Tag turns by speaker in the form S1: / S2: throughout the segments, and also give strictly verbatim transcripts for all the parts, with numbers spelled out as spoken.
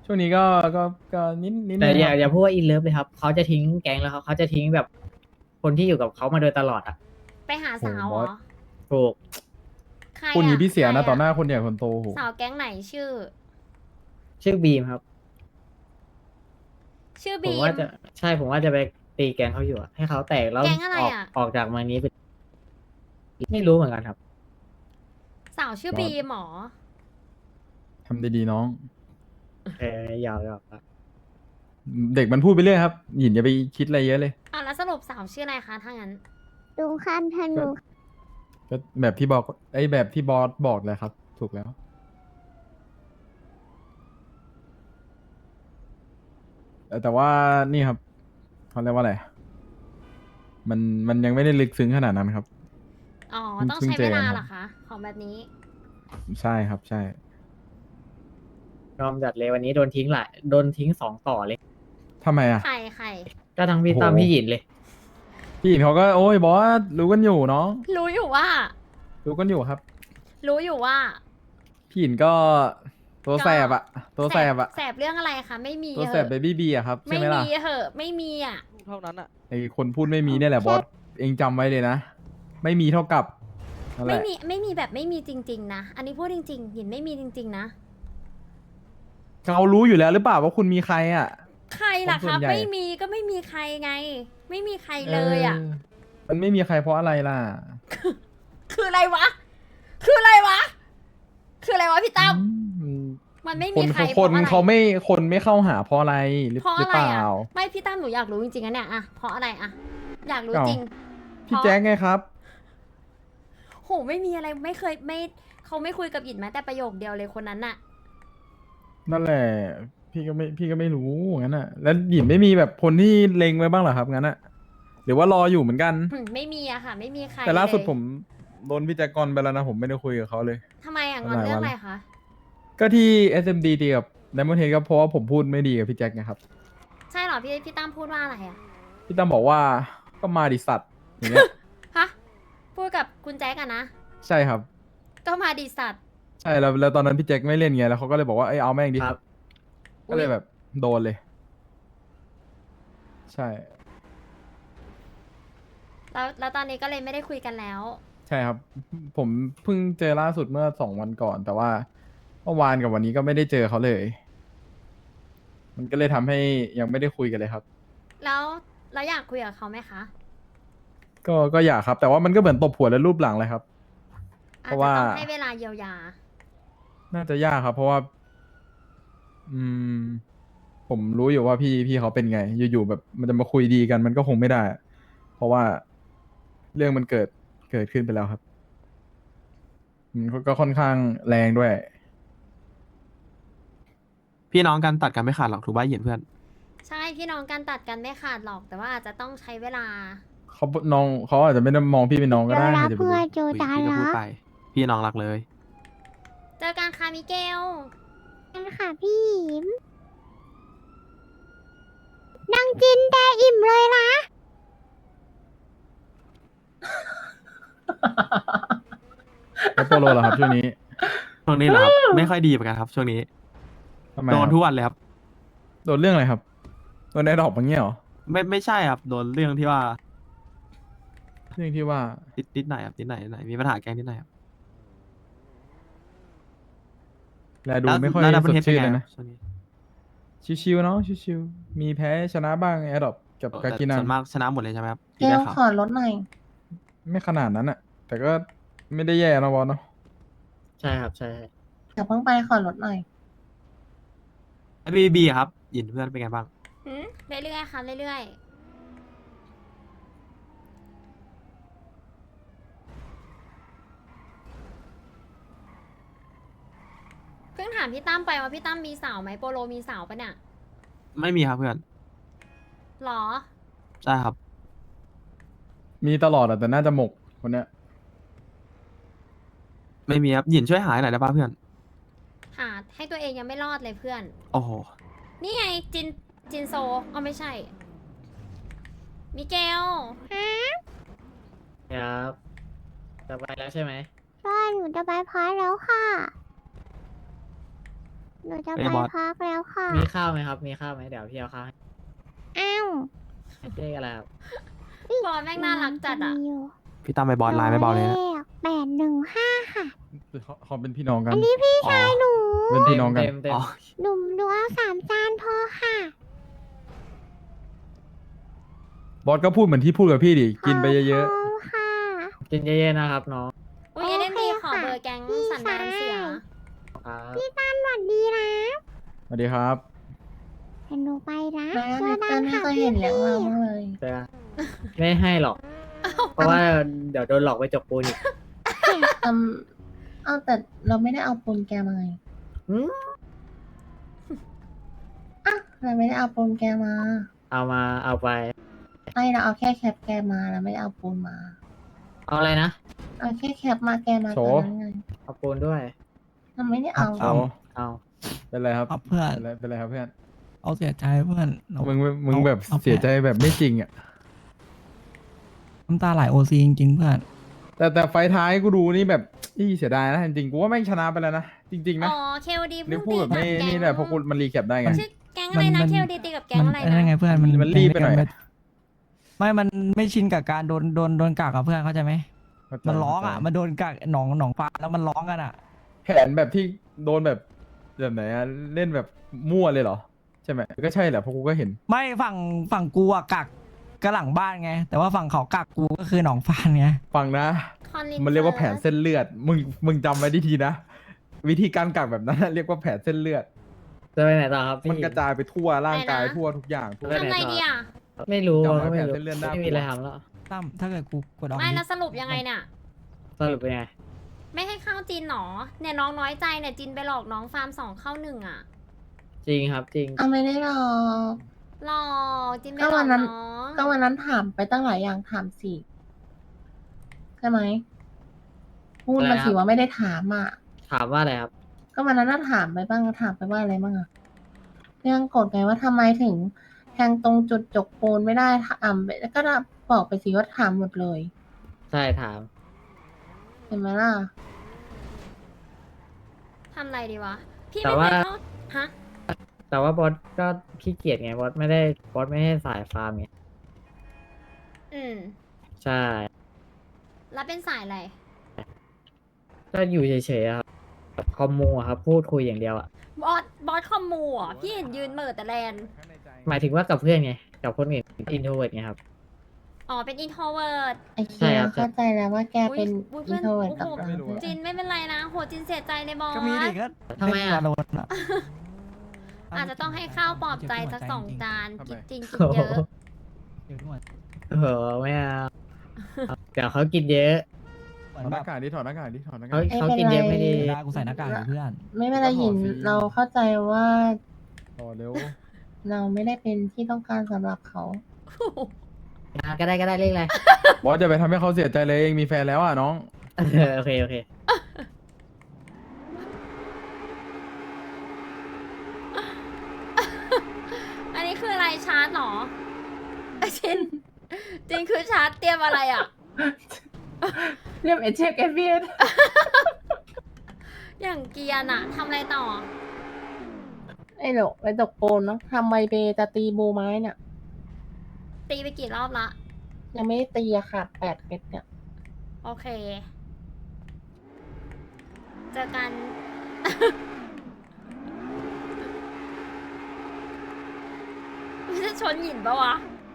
S1: ช่วงนี้ก็ก็ก็นิดนิด
S2: แต่
S1: นึงครับ
S2: อย่าอย่าพูดว่าอินเลิฟเลยครับเขาจะทิ้งแก๊งแล้วเขาเขาจะทิ้งแบบคนที่อยู่กับเขามาโดยตลอดอ่ะ
S3: ไปหา
S1: โห
S3: สาวเหรอ
S1: บอส
S2: ถูก
S3: ใคร
S1: พูดอย่าง
S3: อ่ะ
S1: นี้พี่
S3: ใคร
S1: เสียนะต่อ
S3: อ่ะ
S1: หน้าคนใหญ่คนโตโห
S3: สาวแก๊งไหนชื่อ
S2: ชื่อบีมครับ
S3: ชื่อบีม
S2: ผมว่าจะใช่ผมว่าจะไปตีแก๊งเขาอยู่อะให้เขาแตกแล้ว
S3: แก๊งอะไร
S2: ออก
S3: อ่ะ
S2: ออกจากเมืองนี้ไปไม่รู้เหมือนกันครับ
S3: สาวชื่อบบี
S1: อส
S3: มเหรอ
S1: ทำดีๆน้อง
S2: เออยาวยาวครับ
S1: เด็กมันพูดไปเรื่อยครับหยินอย่าไปคิดอะไรเยอะเลย
S3: อ่ะแล้วสรุปสาวชื่ออะไรคะถ้างั้น
S4: ลุงข้ามถน
S1: ก็
S4: น
S1: ก็แบบที่บอกไอ้แบบที่บอสบอกเลยครับถูกแล้วแต่แต่ว่านี่ครับเขาเรียกว่าอะไรมันมันยังไม่ได้ลึกซึ้งขนาดนั้นครับ
S3: อ๋อ
S1: เพิ่ง
S3: ต้อง
S1: เพิ่ง
S3: ใช้เวลา
S1: เจอกันครับ
S3: เหรอคะของแบบนี้
S1: ใช่ครับใช่
S2: ยอมจัดเลยวันนี้โดนทิ้งหลายโดนทิ้งสองต่อเลย
S1: ทำไมอ่ะ
S3: ใครใคร
S2: ก็ทั้งพี่
S1: โอ้โห
S2: ตั้มพี่หยินเลย
S1: พี่หญินเขาก็โอ้ยบอสรู้กันอยู่เนาะ
S3: รู้อยู่ว่า
S1: รู้กันอยู่ครับ
S3: รู้อยู่ว่า
S1: พี่หญินก็ตัว
S3: ก็
S1: แสบอะตัวแสบอะ
S3: แสบเรื่องอะไรคะไม่มี
S1: ตัว
S3: เห
S1: แสบ
S3: อะ
S1: เบบี้บีอะครับใช่
S3: ไม่
S1: ไหมล่ะ
S3: มีเหอะไม่มีอ่ะ
S5: เท่านั้นอ่ะ
S1: ไอคนพูดไม่มีเนี่ยแหละบอสเองจำไว้เลยนะไม่มีเท่ากับนั่นแห
S3: ไม่
S1: ละ
S3: มีไม่มีแบบไม่มีจริง ๆนะอันนี้พูดจริงๆหยินไม่มีจริง ๆนะ
S1: เขารู้อยู่แล้วหรือเปล่าว่าคุณมีใครอะ
S3: ใครล่ะ
S1: คนส่
S3: คะ
S1: วนใหญ่
S3: ไม่มีก็ไม่มีใครไง ไม่มีใครเลยอ่ะ
S1: เมันไม่มีใครเพราะอะไรล่ะ
S3: คืออะไรวะ คืออะไรวะ คืออะไรวะพี่ตั้ม
S1: อืม
S3: มันไม่
S1: ค
S3: มี
S1: น
S3: ใคร
S1: เขา
S3: เพ
S1: ค
S3: ราะ
S1: น
S3: อะไร
S1: เขาไม่คนไม่เข้าหาเพราะอะไรหรือ
S3: เพราะ
S1: หรื
S3: อะ
S1: อ
S3: ไร
S1: เปล่า
S3: อ่ะไม่พี่ตั้มหนูอยากรู้จริงๆนะเนี่ยอะเพราะอะไรอะอยากรู้
S1: เอ้า
S3: จริง
S1: พี่แจ๊คไงครับ
S3: โหไม่มีอะไรไม่เคยไม่เขาไม่คุยกับหยินแม้แต่ประโยคเดียวเลยคนนั้นน่ะ
S1: นั่นแหละ พี่ก็ไม่พี่ก็ไม่รู้งั้นอ่ะ แล้วหยินไม่มีแบบคนที่เล็งไว้บ้างเหรอครับงั้นอ่ะหรือว่ารออยู่เหมือนกัน
S3: อืมไม่มีอะค่ะ ไม่มีใคร
S1: แต่ล่าสุด
S3: เลย
S1: ผมโดนพี่แจ็คกอนไปแล้วนะผมไม่ได้คุยกับเขาเลย
S3: ทำไมอะงอนเรื่องอะไรคะ
S1: ก็ที่ เอส เอ็ม ดี ตีกับ Diamond Head ก็เพราะว่าผมพูดไม่ดีกับพี่แจ็คไงครับ
S3: ใช่เหรอพี่พี่ตั้มพูดว่าอะไรอะ
S1: พี่ตั้มบอกว่าก็มาดิสัตว์อย่างเงี้ย
S3: ฮะพูดกับคุณแจ๊กอะนะ
S1: ใช่ครับ
S3: ก็มาดีสัตว์
S1: ใช่แล้วแล้วตอนนั้นพี่แจ็คไม่เล่นไงแล้วเขาก็เลยบอกว่าเอ้ยเอาแม่งดิ
S2: ครับ
S1: ก็เลยแบบโดนเลย ใช่
S3: แล้วแล้วตอนนี้ก็เลยไม่ได้คุยกันแล้ว
S1: ใช่ครับ ผมเพิ่งเจอล่าสุดเมื่อสองวันก่อน แต่ว่าเมื่อวานกับวันนี้ก็ไม่ได้เจอเขาเลย มันก็เลยทำให้ยังไม่ได้คุยกันเลยครับ
S3: แล้วแล้วอยากคุยกับเขาไหมคะ
S1: ก็ก็อยากครับ แต่ว่ามันก็เหมือนตบหัวและรูปหลังเลยครับ เพ
S3: อาจ
S1: ราะ
S3: จะ
S1: ว่า
S3: ต้องให้เวลาเยียวยา
S1: น่าจะยากครับ เพราะว่า อืม ผมรู้อยู่ว่าพี่พี่เขาเป็นไง อยู่ๆแบบมันจะมาคุยดีกัน มันก็คงไม่ได้อะเพราะว่าเรื่องมันเกิดเกิดขึ้นไปแล้วครับมันก็ก็ค่อนข้างแรงด้วย
S5: พี่น้องกันตัดกันไม่ขาดหรอกถูกป่ะเหยียนเพื่อน
S3: ใช่พี่น้องกันตัดกันไม่ขาดหรอก แต่ว่าอาจจะต้องใช้เวลา
S1: เขาน้องเขาอาจจะไม่ได้มองพี่เป็นน้องก็
S4: เจ
S1: ได้
S4: อรั
S1: ใครจะไป
S4: บเพื่อ
S1: รู้
S4: เจอ
S5: อุ๊ย
S4: ดา
S5: พี่ก็
S4: รั
S5: พูด
S4: บ
S5: ไป พี่น้องรักเลย
S3: เจอกันค่ะมิเกล
S4: กันค่ะพี่หยิมนั่งจินแต่อิ่มเลยนะ
S1: แล้วโปโลเหรอครับช่วงนี้
S5: ช่วงนี้เหรอครับ ไม่ค่อยดีเหมือนกันครับ ช่วงนี้
S1: ทำไม
S5: โด
S1: คน รับ
S5: ทุกวันเลยครับ
S1: โดนเรื่องอะไรครับโดนไอ้ดอกอย่างเงี้ยเหรอ
S5: ไม่ไม่ใช่ครับ โดนเรื่องที่ว่า
S1: เรื่องที่ว่า
S5: ติดนิดหน่อยครับนิดหน่อยนิดหน่อยมีปัญหาแกงนิดหน่อยครับ
S1: แลดู
S5: แล้ว
S1: ไม่ค่อย
S5: แล้วดับ
S1: ส
S5: เบิล
S1: ด
S5: เฮดเป็น
S1: ชื่น
S5: ไง
S1: เลย
S5: ครั
S1: นะ
S5: บช่วงนี้
S1: ชิวๆเนาะชิวๆมีแพ้ชนะบ้างไอ้ดอกกับ
S5: เออ
S1: กา
S5: แต่
S1: กินั
S5: ส่
S1: ง
S5: วนมากชนะหมดเลยใช่ไหมครับ
S6: เก
S5: ที่
S6: ล
S5: ได้ข่าว
S6: ขอลดหน่อย
S1: ไม่ขนาดนั้นอะแต่ก็ไม่ได้แย่นะบอลเนาะ
S2: ใช่ครับใช่
S6: อย่าเพิ่งไปขอลดหน่อย
S5: ไอบีบีครับหยินเพื่อนเป็นไงบ้าง
S3: หืมเรื่อยๆค่ะเรื่อยๆ เพิ่งถามพี่ตั้มไปว่าพี่ตั้มมีสาวไหมโปโลมีสาวปะเนี่ย
S5: ไม่มีครับเพื่อน
S3: หรอ
S5: ใช่ครับ
S1: มีตลอดอะแต่น่าจะหมกคนเนี้ย
S5: ไม่มีครับหยินช่วยหายหน่อยได้ป่ะเพื่อน
S3: หาให้ตัวเองยังไม่รอดเลยเพื่อน
S5: โอ้โห
S3: นี่ไงจินจินโซอ๋อไม่ใช่ มิเกล
S2: ครับจะไปแล้วใช่ไหม
S4: ใช่หนูจะไปพักแล้วค่ะหนูจะ
S5: ไอ้
S4: ไป
S5: บอส
S4: พักแล้วค่ะ
S2: มีข้าวไหมครับ มีข้าวไหมเดี๋ยวพี่เอาข้าวให้
S4: อ้าว
S2: เลขอะไรครับ
S3: บอลแม่งน่ารักจัดอ่ะ
S4: มียู่
S5: พี่ตั้มไปบอลไลน์ไม่เบาเลยนะ
S4: แปดหนึ่งห้าค่ะ
S1: เขาเขาเป็นพี่น้องกัน
S4: อันนี้พี่ชายหนู
S1: เป็นพี่น้องกัน
S2: เต็มเต็ม
S5: อ๋อ
S4: หนุ่มดูเอาสามจานพอค่ะ
S1: บอสก็พูดเหมือนที่พูดกับพี่ดิ กินไปเยอะ
S4: ขบคุณค่ะ
S2: กินเยอะๆนะครับน้อง
S3: อุ้ยเอ็มดี
S4: โอเค
S3: ขอ
S4: ค่ะ
S3: เบอร์แก๊ง
S4: พี่
S3: สันดานเสีย
S4: ชาย
S2: ครับ
S4: พี่ตั้นสวัสดีนะ
S1: ๆสวัสดีครับ
S4: เห็นหนูไปนะ
S6: แม่
S4: เจ
S6: ไม่
S4: อ
S6: เจ
S4: กั
S6: อน ไม่
S4: ค่ะ
S6: เคย
S4: พี่
S6: เห็นเลี้ยงเราบ้างเลย
S2: เจอกันไม่ให้หรอก เพราะว่าเดี๋ยวโดนหลอกไปจกปูนอีก
S6: อืมเอาแต่เราไม่ได้เอาปูนแกมาไง
S2: หืม
S6: อ่ะเราไม่ได้เอาปูนแกมา
S2: เอามาเอาไป
S6: ไอเราเอาแค่แคปแกมาเราไม่ได้เอาปูนมา
S2: เอาอะไรนะ
S6: เอาแค่แคปมาแกมา
S1: โช
S6: ต
S1: ว์
S6: อนนั้นไง
S2: เอาปูนด้วย
S6: เราไม่ได้เอา
S1: โอ้
S2: เอา
S1: เป็นไรครับ
S7: ครับเพื่อน
S1: เป็นไรเป็นไรครับเพื่อน
S7: เอาเสียใจเพื่อนเอา
S1: มึงมึง
S7: เอา
S1: แบบ
S7: เอา
S1: เสียใจแบบไม่จริงอ่ะ
S7: น้ำตาไหลโอซีจริงๆเพื่อน
S1: แต่แต่ไฟท้ายกูดูนี่แบบอีเสียดายนะจริงๆกูว่าแม่งชนะไปแล้วนะ จริงๆนะ
S3: อ๋อเคโอดี
S1: นี่
S3: เพิ่ง
S1: พูด
S3: ตี
S1: แบบ
S3: กับ
S1: ไม่
S3: แก๊ง
S1: นี่แหละเพราะกูมันรีแคปได้ไง
S3: ชื่อแก๊งอะไรนะ
S7: มัน
S3: เคโอดีตีกับแก๊ง
S7: มั
S3: อะไร
S7: ไอ้นั่นไง
S3: นะ
S7: เพื่อนมัน
S1: มันรีบไปหน่อย
S7: ม่ไม่ มันไม่ชินกับการโดนโดนโดนกักกับเพื่อนเข้าใจไหมมันร้องอ่ะ มันโดนกักหนองหนองฟ้าแล้วมันร้องกันอ่ะ
S1: แผนแบบที่โดนแบบแบบไหนอะเล่นแบบมั่วเลยเหรอ ใช่ไหมก็ใช่แหละเพราะกูก็เห็น
S7: ไม่ฝั่งฝั่งกูอะกักก็หลังบ้านไง แต่ว่าฝั่งเขากักกูก็คือหนองฟ้าไง
S1: ฟังนะ
S3: คอนลิน
S1: มันเรียกว่าแผนเส้นเลือด มึงมึงจำไว้ดีๆนะ วิธีการกักแบบนั้นนะเรียกว่าแผนเส้นเลือด
S2: จะไปไหนต่อครับพี่
S1: มันกระจายไปทั่วร่างกายทั่วทุกอย่างทั่ว
S2: ไปไหน
S3: ทำไงดีอ่ะ
S2: ไม่รู้
S1: จำไว้
S2: ก็ไม่
S1: แผน
S2: รู้
S1: เส้นเลือดน่ากลัว
S2: ไม่มีอะไรทำแล้ว
S7: ตั้มถ้าเกิดกูกดออก
S3: ไม่
S7: ดิ
S3: แล้วสรุปยังไงเนี่ย
S2: สรุปเป็นไง
S3: ไม่ให้เข้าจีนหนอเนี่ยน้องน้อยใจเนี่ยจีนไปหลอกน้องฟาร์มสองเข้าหนึ่งอ่ะ
S2: จริงครับจริง
S6: เอาไม่ได้หรอก
S3: หลอกจีนไป
S6: ก็
S3: หล
S6: วั
S3: อก
S6: นนั้น
S3: น้อง
S6: ก็วันนั้นถามไปตั้งหลายอย่างถามสิใช่ไหมพูด
S2: อะไร
S6: มา
S2: นะ
S6: สิว่าไม่ได้ถามอ่ะ
S2: ถามว่าอะไรครับ
S6: ก็วันนั้นน่าถามไปบ้างถามไปว่าอะไรบ้างอะเรื่องกฎไงว่าทำไมถึงแทงตรงจุดจกปูนไม่ได้ถามไปก็บอกไปสิว่าถามหมดเลย
S2: ใช่ถาม
S6: เห็นไหมล่ะ
S3: ทำอะไรดีวะ พี่
S2: แต่
S3: ไม่
S2: ว่า
S3: เคยเข้าฮะ
S2: แต่ว่าบอสก็ขี้เกียจไงบอสไม่ได้บอสไม่ให้สายฟาร์มไง
S3: อืม
S2: ใช่
S3: แล้วเป็นสายอะไร
S2: ก็อยู่เฉยๆอะครับคอมมูอะครับ พูดคุยอย่างเดียวอะ
S3: บอส บอสคอมมูเหรอ่ะ พี่เห็นยืนเหม่อแต่แลน
S2: หมายถึงว่ากับเพื่อนไง กับคนอื่นอินโทรเวิร์ดไงครับ
S3: อ๋อ เป็นอินโทรเวิร์ด
S6: ไอ้
S2: ใช่
S6: เคีย
S2: ครับ
S6: เข้าใจแล้วว่าแกเป็น
S3: อุ๊ย
S6: อินโทรเวิร์ดกับ
S3: โอ้โห
S6: เรา
S1: ไม่รู้อะ
S3: จินไม่เป็นไรนะ โหจินเสียใจเลยบอส
S7: ก็มีดิก็
S2: ทำไมอะ
S7: เล่นวาโลนอะ
S3: อาจจะต้องให้ข้าวปลอบใจสักสองจาน
S1: ทำไม
S3: กินจริงกิน
S2: โอ้โห
S3: เยอะ
S7: เดี๋ยวด้วย
S2: เออไม่เอาเดี๋ยวเขากินเยอะ
S7: เหมือ
S1: ถอน ดห
S7: แบ
S1: น้า
S7: บ
S1: กากดิถอดหน้ากากดิถอดหน้ากา
S2: เขา
S1: ก
S2: เขากินเยอะไม่ดี
S7: เวลากูใส่หน้ากากอยู่เพื่อน
S6: ไม่เป็นไรหยิน
S1: ก็ขอฟรี
S6: เราเข้าใจว่า
S1: ต่อเร็ว
S6: เราไม่ได้เป็นที่ต้องการสำหรับเขา
S2: อ่ะก็ได้ก็ได้เรียกอะไร
S1: บอสจะไปทำให้เขาเสียใจเลยเองมีแฟนแล้วอ่ะน้อง
S2: เออโอเคโอเค
S3: อันนี้คืออะไรชาร์จเหรอจินจินคือชาร์จเตรียมอะไรอ่ะ
S6: เรียกเอเชฟเอฟเอส
S3: อย่างเกียร์น่ะทำอะไรต่อ
S6: ไอ้หลกไปตกปูนเนาะทำไมเบจะตีบูไม้เนี่ย
S3: ตีไปกี่รอบละ
S6: ยังไม่ได้ตีอะค่ะแปดเม็ดเนี่ย
S3: โอเค เจอกัน ไม่จะชนหยินปะวะ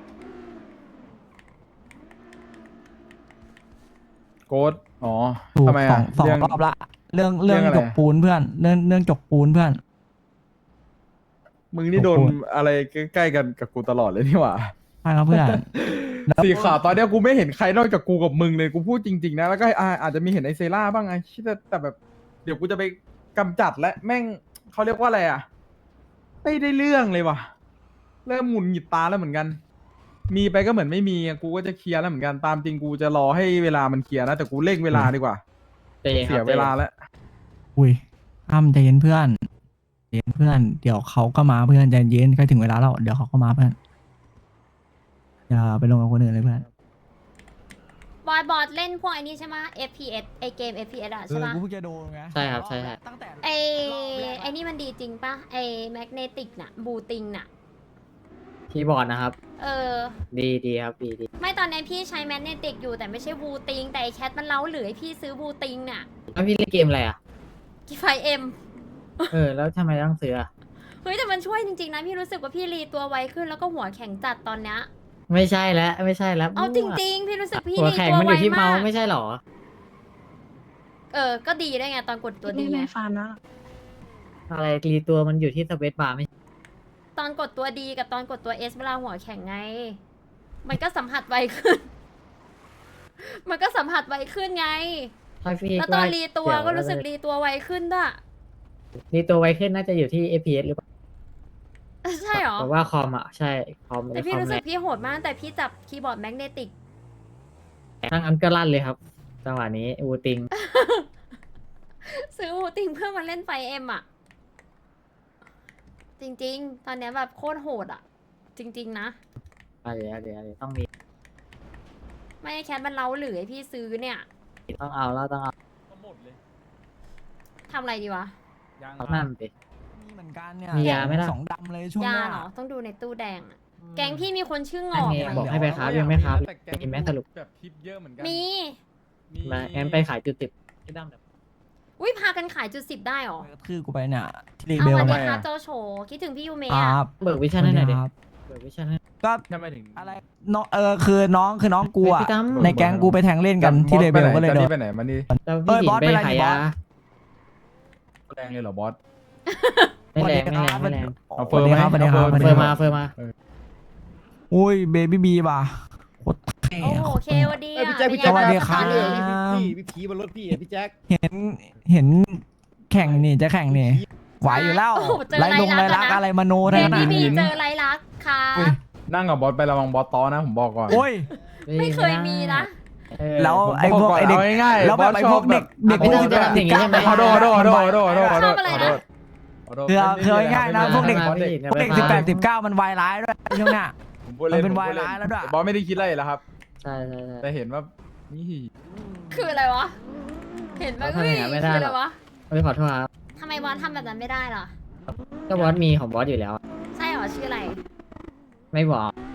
S1: โกดอ๋อ
S7: ถูก
S1: ทำไม
S7: สอ
S1: อ่ะ
S7: งสอง
S1: เรื่อง
S7: รอบละ เรื่องเรื่อง
S1: เรื่องอะไร
S7: จกปูนเพื่อน เรื่องเรื่องจกปูนเพื่อน
S1: มึงนี่โดน
S7: โอ้โห
S1: อะไรใกล้ๆกันกับกูตลอดเลยนี่หว่า
S7: ใช่ครับเพื่อน
S1: สีขาวตอนเนี้ยกูไม่เห็นใครนอกจากกูกับมึงเลยกูพูดจริงๆนะแล้วก็อ่าอาจจะมีเห็นไอเซล่าบ้างไงแต่แต่แบบ เดี๋ยวกูจะไปกำจัดและแม่งเขาเรียกว่าอะไรอ่ะไม่ได้เรื่องเลยว่ะ เริ่มหงุดหงิดตาแล้วเหมือนกัน มีไปก็เหมือนไม่มีอะกูก็จะเคลียร์แล้วเหมือนกันตามจริงกูจะรอให้เวลามันเคลียร์นะแต่กูเร่งเวลาดีกว่า
S2: ใจเย็นค
S1: เสี
S2: รั
S1: ย
S2: บ
S1: เวลาแล้ว
S7: อุ้ยอ้ำใจเย็นเพื่อนใจเย็นเพื่อน เดี๋ยวเขาก็มาเพื่อนใจเย็นใกล้ถึงเวลาแล้วเดี๋ยวเขาก็มาเพื่อน อย่าไปลงกับคนอื่นเลยเพื่อน
S3: บบอยบอสเล่นพวกไอ้นี่ใช่ไหม เอฟ พี เอส ไอเกม เอฟ พี เอส อะ
S7: เอ
S3: ใช่
S7: อ
S3: ปะ
S7: กูเพิ่งจะโดนไง
S2: ใช่ครับใช่ใช่
S7: ตั้งแต่
S3: ไอ
S7: รอบแรก
S3: ไอนี่มันดีจริงปะไอแมกเนติกน่ะ บูติงน่ะ
S2: คีย์บอร์ดนะครับ
S3: เออ
S2: ดีดีครับดีดี
S3: ไม่ตอนนี้พี่ใช้แมกเนติกอยู่แต่ไม่ใช่บูติง แต่ไอแคทมันเล้าหรือให้พี่ซื้อบูติงน่ะ
S2: แล้วพี่เล่นเกมอะไรอ่ะ
S3: กี่ไฟเอ็ม
S2: เออ แล้วทำไมต้องซื้ออะ
S3: เฮ้ยแต่มันช่วยจริงๆนะพี่รู้สึกว่าพี่รีตัวไวขึ้นแล้วก็หัวแข็งจัดตอนเนี้ย
S2: ไม่ใช่แล้วไม่ใช่แล้ว
S3: เอาจริง ๆ พี่รู้สึกพี่
S2: หัว
S3: รี
S2: แข็ง
S3: ตัว
S2: มันอ
S3: ไว
S2: ยู่ที่
S3: มา
S2: เมาส์
S3: ก
S2: ไม่ใช่หรอ
S3: เออ ก็ดีได้วยไงตอนกดตัวดีไง
S2: อะไรรีตัวมันอยู่ที่สเปซบาร์ไม่
S3: ตอนกดตัวดีกับตอนกดตัวเอสเวลาหัวแข็งไง มันก็สัมผัสไวขึ้น มันก็สัมผัสไวขึ้นไง
S2: ถ้าพี่
S3: แล้วตอนรีตัว
S2: เยว
S3: ก็รู้สึกรีตัวไวขึ้นด้วย
S2: รีตัวไวขึ้นน่าจะอยู่ที่ เอฟ พี เอส หรือเปล่า
S3: ใช่เหรอ
S2: เพราะว่าคอมอ่ะใช่คอม
S3: แต่พี่
S2: คอม
S3: รู้สึ
S2: แร
S3: ก
S2: ง
S3: พี่โหดมากแต่พี่จับคีย์บอร์ดแมกเนติก
S2: ทั้งอันก็ลั่นเลยครับจังหวะนี้อูติง
S3: ซื้อหูติงเพื่อมาเล่นไฟเอ็มอ่ะ จริงๆ ตอนเนี้ยแบบโคตรโหดอ่ะ จริง ๆ นะ
S2: อะไรอะไรอะไรต้องมี
S3: ไม่ให้แคทมันเล้าหรือให้พี่ซื้อเนี่ย
S2: ต้องเอาแล้วต้องเอา
S1: หมดเลย
S3: ทำอะไรดีวะ
S1: ยัง
S2: นั่นสิ
S7: มีเหมือนกันเนี่ย
S2: มียาไหมล่ะ
S7: สองดำเลยช่วง
S3: ยา
S7: เนี้ย
S3: เหรอ ต้องดูในตู้แดงอะแกงพี่มีคนชื่อง
S2: อัน
S3: อก
S2: นี้
S3: ไหม
S2: บอกให้ไปค้ายังไม่ค้า
S1: แต่แก๊ง
S2: มีไหมสรุป
S1: แบบทิปเยอะเหมือนกั
S3: มี
S2: มางั้นไปขายจุดติดที่ดั้มแบบ
S3: อุ้ยพากันขายจุดสิบได้เหรอ
S7: กระทืบกูไปเนี่ยที่รี
S3: เอา
S7: เบล
S3: วัน
S7: ไป
S3: นี้ค่ะโจโฉคิดถึงพี่ยูเมะ
S7: ค
S3: อะ
S7: รับ
S2: เบิกวิชั่นให้หน่อยดิ
S7: ครับ
S2: เบิกวิชั่นให้
S7: ก็
S1: ทำไมถึง
S7: อะไรน้องเออคือน้องคือน้องกูอะ
S2: พี่ตั้ม
S7: ในแก๊งกูไปแทงเล่นกันที่เลเบลก็เลยโด
S1: จะรี
S7: น
S1: บไปไหนมานี่
S2: แล้ว
S7: เอ้
S2: พี่
S7: ย
S2: หิ
S7: บอน ส
S2: ไป
S7: เป็นไร
S2: ขาย
S7: บอส
S2: ยา
S1: แรงเลยเหรอบอส
S2: ไม่แรงไม่แรงไม่แรง
S1: เอาเฟิร์มไหม
S7: สวัสดีครับ
S1: เอา
S7: สวัส
S2: เฟิ
S7: ดี
S2: ร์ม
S7: ค
S2: มา
S7: รับ
S2: เฟิร์มมา
S7: อุ้ยเบบี้บีป่ะโคตรเท่
S3: โอ้โหเคโอดี
S8: เอ้ย
S3: อะ
S8: พี่แจ็คพี่
S3: เป็น
S8: แจ็ค
S3: ไง
S7: สวัสดี
S3: บ้าง
S7: ครับ
S8: พี่พี่ผีบนรถพี่อ่ะพี่แจ็ค
S7: เห็นเห็นแข่งนี่จะแข่งนี่ไหวอยู่แล้ว
S3: โอ้โหเจอ
S7: ไรลงไร
S3: ไรลั
S7: ลั
S3: ก
S7: ก
S3: ษณ์อะนะ
S7: อะไรมโน
S3: เบ
S7: ทั้งนั้น
S3: บี้
S7: อะ
S3: บีเจอไรลักษณ์ค่ะ
S1: นั่งกับบอสไประวังบอสต้อนะผมบอกก่อน
S7: โอ้ย
S3: ไม่เคยมีนะ
S2: เออ
S7: แล้ว
S1: ผม
S7: ไอ้
S1: บ
S7: พวก
S1: ก่น
S7: ไอ้เด็ก
S1: าง่ายๆ
S7: แล้วแบบ
S1: บอส
S7: ไอ้
S1: ช
S7: พ
S1: อ
S7: ว
S1: บ
S7: กเด็กเด็ก
S2: ไม่
S7: พว
S2: ต้
S7: ก
S2: อง
S7: ที่แบบ
S2: ทำอย่างนี้ใช่ไหม
S1: ขอโทษขอโทษขอโทษขอโทษขอโทษขอโทษ
S3: ชอบอะไรนะ
S1: ขอโทษ
S7: คือคือง่ายๆนะพวกเด็ก
S2: ไม่ผิด
S7: พวกเด็กสิบแปดสิบเก้ามันวายร้ายด้วยช่วงเนี้ย
S1: ผมพูดเล่น
S7: มันเป็น
S1: ผมพูด
S7: วายร้ายแล้วด้วย
S1: บอสไม่ได้คิดอะไรแล้วครับ
S2: ใช่ใช่ใช่
S1: แต่เห็นว่านี่
S3: คืออะไรวะ เห็นไหม
S2: เราทำอย่างนั้นไม่ได้
S3: คือ
S2: หร
S3: อะ
S2: อก
S3: ไรวะ
S2: ไม่ขอโทษครับ
S3: ทำไมบอสทำแบบนั้นไม่ได้ล่ะ
S2: ก็บอสมีของบอสอยู่แล้ว
S3: ใช่เหรอชื่ออะไร
S2: ไม่บอก